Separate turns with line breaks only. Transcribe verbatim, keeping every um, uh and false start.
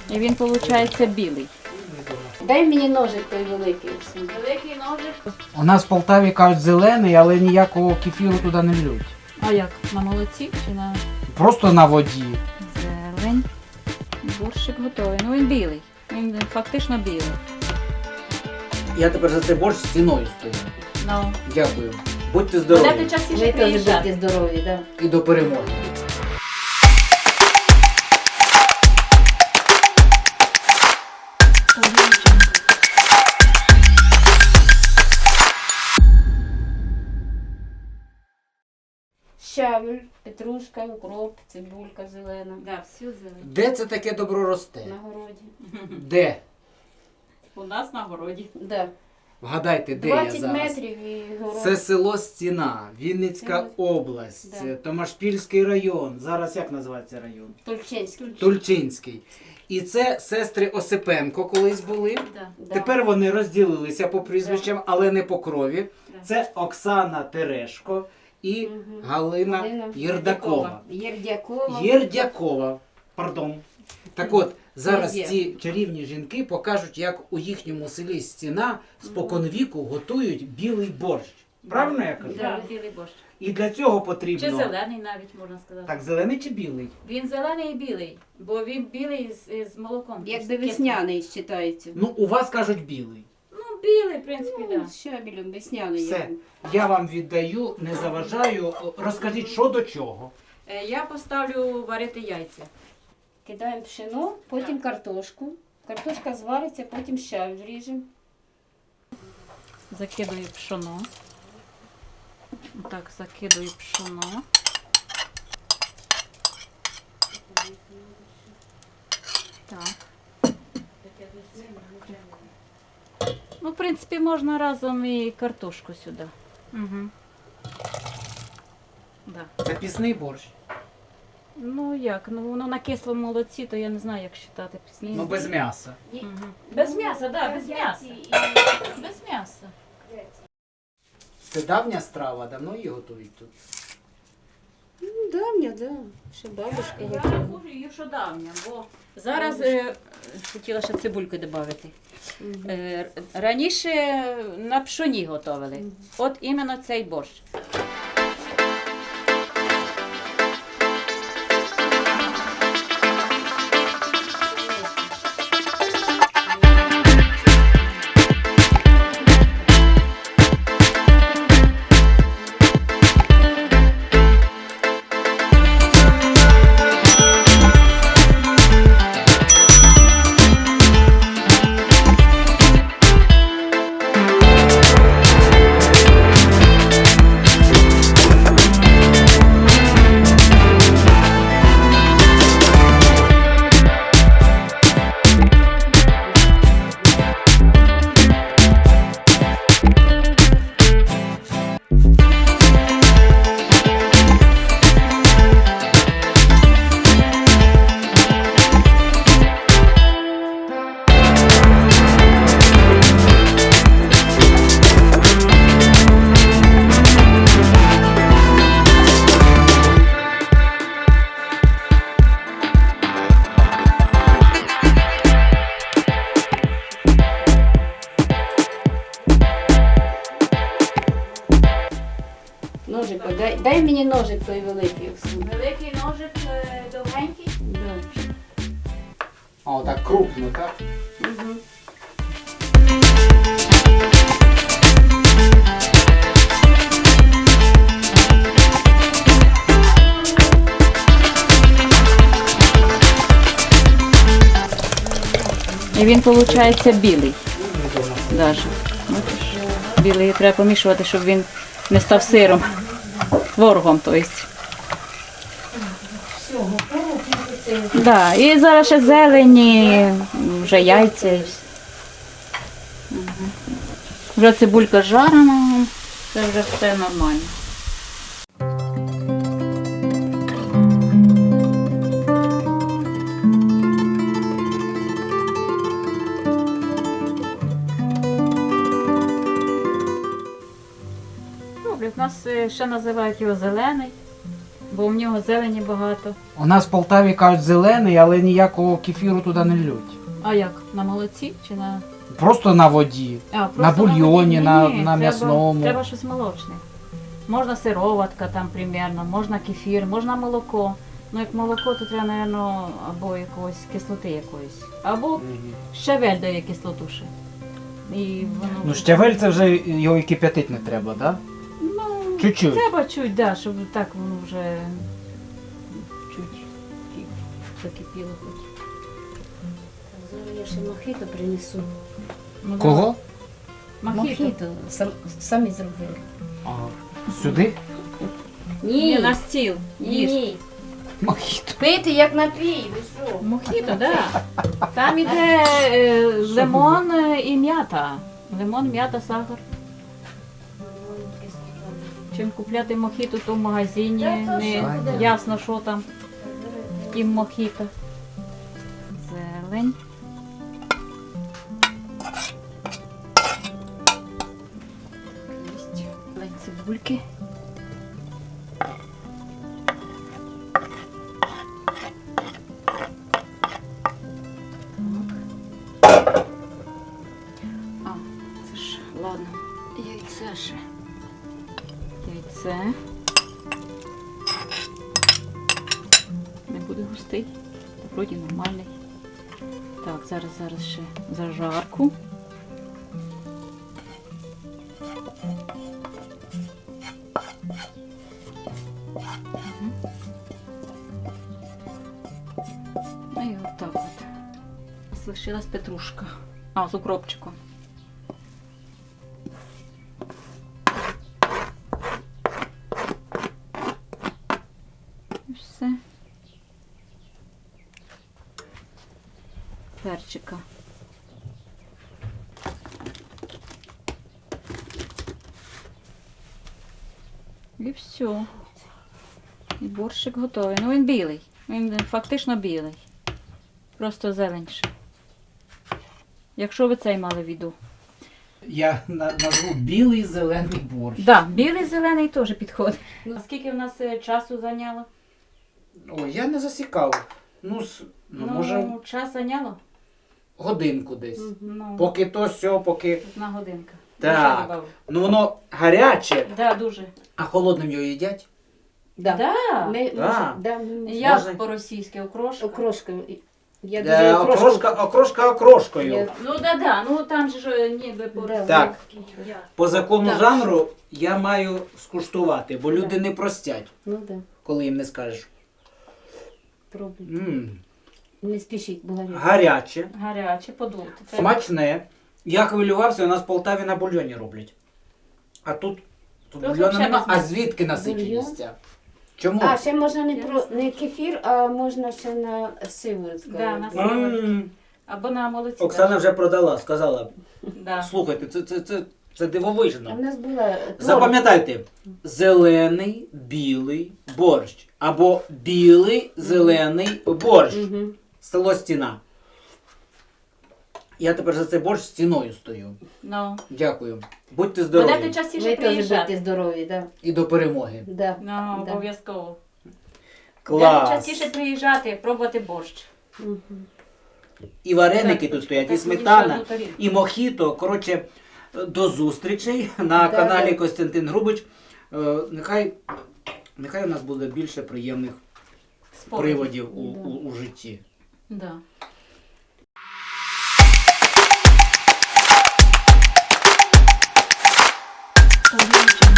І він, виходить, білий.
Дай мені ножик той великий.
Великий ножик.
У нас в Полтаві кажуть зелений, але ніякого кефіру туди не лють.
А як? На молоці чи на
Просто на воді.
зелень? Борщик готовий. Ну він білий. Він фактично білий.
Я тепер за цей борщ стіною стою.
Ну.
Дякую. Будьте
Будете
здорові.
частіше
Ви теж
приїжджати.
будьте здорові, так.
І до перемоги.
Щавель, петрушка, укроп, цибулька зелена.
Да, всю зелень.
Де це таке добро росте?
На городі.
Де?
У нас на городі.
Да.
Вгадайте, де я
двадцять
зараз?
метрів і город.
Це село Стіна, Вінницька
Це-
область,
Да.
Томашпільський район. Зараз як називається район?
Тульчинський.
Тульчинський. І це сестри Осипенко колись були.
Да.
Да.
Тепер вони розділилися по прізвищам, але не по крові.
Да.
Це Оксана Терешко і
Мгм.
Галина
Галина
Єрдакова.
Єрдякова.
Єрдякова. Пардон. Так от, зараз
Є.
ці чарівні жінки покажуть, як у їхньому селі Стіна споконвіку готують білий борщ. Правильно я кажу?
Да, білий борщ.
І для цього
Чи
потрібно...
зелений навіть можна сказати.
Так, зелений чи білий?
Він зелений і білий, бо він білий з, з молоком.
Якби
З
весняний вважається.
Ну, у вас кажуть білий.
Ну, білий, в принципі, так.
Ну,
Да.
з щавелем весняний.
Все.
як.
Я вам віддаю, не заважаю. Розкажіть, що до чого.
Е, Я поставлю варити яйця.
Кидаємо пшено, потім картошку. Картошка звариться, потім щавель ріжемо.
Закидую пшоно. Так, закидую пшоно. Так. Ну, в принципі, можна разом і картошку сюди. Угу. Да.
Це пісний борщ.
Ну як, ну воно на кислому молоці, то я не знаю, як вважати пісні.
Ну, без м'яса.
Мгм. Без м'яса, так, да, без м'яса. Без м'яса.
Це давня страва, давно її готують тут.
Ну, давня, да. Ще бабушка
Я
готувала.
рахую її, що давня, бо зараз е, хотіла ще цибульки додати.
Мгм.
Е, раніше на пшоні готували. От іменно цей борщ.
Ножик, дай, дай мені ножик той великий. Оксана.
Великий ножик довгенький.
Да.
А, отак крупно, так?
Угу.
І він, виходить, білий. Даже. Бачиш? Білий треба помішувати, щоб він не став сиром. Творогом, тобто. Да. І зараз ще зелені, вже яйця. і все. Мгм. Вже цибулька жарена, це вже все нормально. Добре, в нас е, ще називають його зелений, бо в нього зелені багато.
У нас в Полтаві кажуть зелений, але ніякого кефіру туди не лють.
А як? На молоці чи на.
Просто на воді.
А, просто
На бульйоні,
воді?
на-
Ні,
на
треба-
м'ясному.
Треба щось молочне. Можна сироватка там примерно, можна кефір, можна молоко. Ну як молоко, то треба, мабуть, або якогось кислоти якоїсь. Або щавель дає кислоту ще. І воно
Ну,
вже-
щавель це вже його і кип'ятити не треба, так? Да?
Ну,
Чуть-чуть.
треба чуть, да, щоб так воно вже чуть кі- закипіло хоч.
Зараз я ще мохито принесу.
Ну, да.
Кого?
Мохіто.
Мохито сам, самі зробили.
Ага. Сюди?
Ні, на стіл.
Ні,
Їсти.
ні.
Мохіто.
Пити як напій, ви що?
Мохіто, да. Там іде е, лимон е, і м'ята. Лимон, м'ята, сахар. Чим купляти мохіто, то в магазині
Та то
не
що, да.
ясно, що там в тім мохіто. Зелень. Зелень цибульки. Так. А, це ж, ладно, яйце ще. Яйце. Не буде густий. Та вроді нормальний. Так, зараз, зараз ще зажарку. Мгм. Ну і отак от. Залишилась петрушка. А, з укропчиком. І все. Перчика. І все. І борщик готовий. Ну він білий. Він фактично білий. Просто зеленше. Якщо ви цей мали в виду.
Я на- назву білий зелений борщ.
Так, да, білий зелений теж підходить. А скільки в нас е, часу зайняло?
Ой, я не засікав. Ну, с- ну, може,
час зайняло?
годинку десь.
Ну,
Поки то сьо, поки.
одна годинка.
Так.
Дуже добавлю.
Ну воно гаряче,
Да, дуже.
а холодним його їдять.
Да.
Да.
Ми,
Да.
може, да, ми можемо.
Як
Можна?
по-російськи окрошка?
Окрошка. Я
Е,
дуже окрошку.
окрошка, окрошка окрошкою.
Я-
Ну да, да, ну там же ж е, ніби по
Да.
Так.
Я.
По закону
Так.
жанру я маю скуштувати, бо люди не простять,
Ну да,
коли їм не скажеш.
пробуй.
М,
Не спішіть, бо гаряче.
гаряче,
Гаряче, подути. Це-
смачне. Я хвилювався, у нас в Полтаві на бульйоні роблять. А тут, тут
Тут
бульйону
взагалі
нема.
без
А
м'яса.
звідки насиченість? Чому?
А, ще можна не про не кефір, а можна ще на сиворотку.
Да, на
М,
Або на молоці.
Оксана
даже.
вже продала, сказала.
Да.
Слухайте, це, це, це, це
А
дивовижно.
в нас була творог.
Запам'ятайте, зелений, білий борщ. Або білий, зелений борщ.
Мгм.
Село Стіна. Я тепер за цей борщ стіною стою.
Ну.
Дякую. Будьте
Будете
здорові.
частіше
Ви теж будьте
приїжджати.
здорові, да.
І до перемоги.
Да.
Ну,
Да.
обов'язково. Будете
Клас.
частіше приїжджати, пробувати борщ.
Мгм.
І вареники
Так,
тут стоять, і
так, мені ще
сметана,
одну тарілку.
і мохіто. Коротше, до зустрічей на
Да,
каналі
да.
Костянтин Грубич. Е, Нехай, нехай у нас буде більше приємних
Спокій.
приводів у,
Да.
у, у житті.
Да. Тарілочок.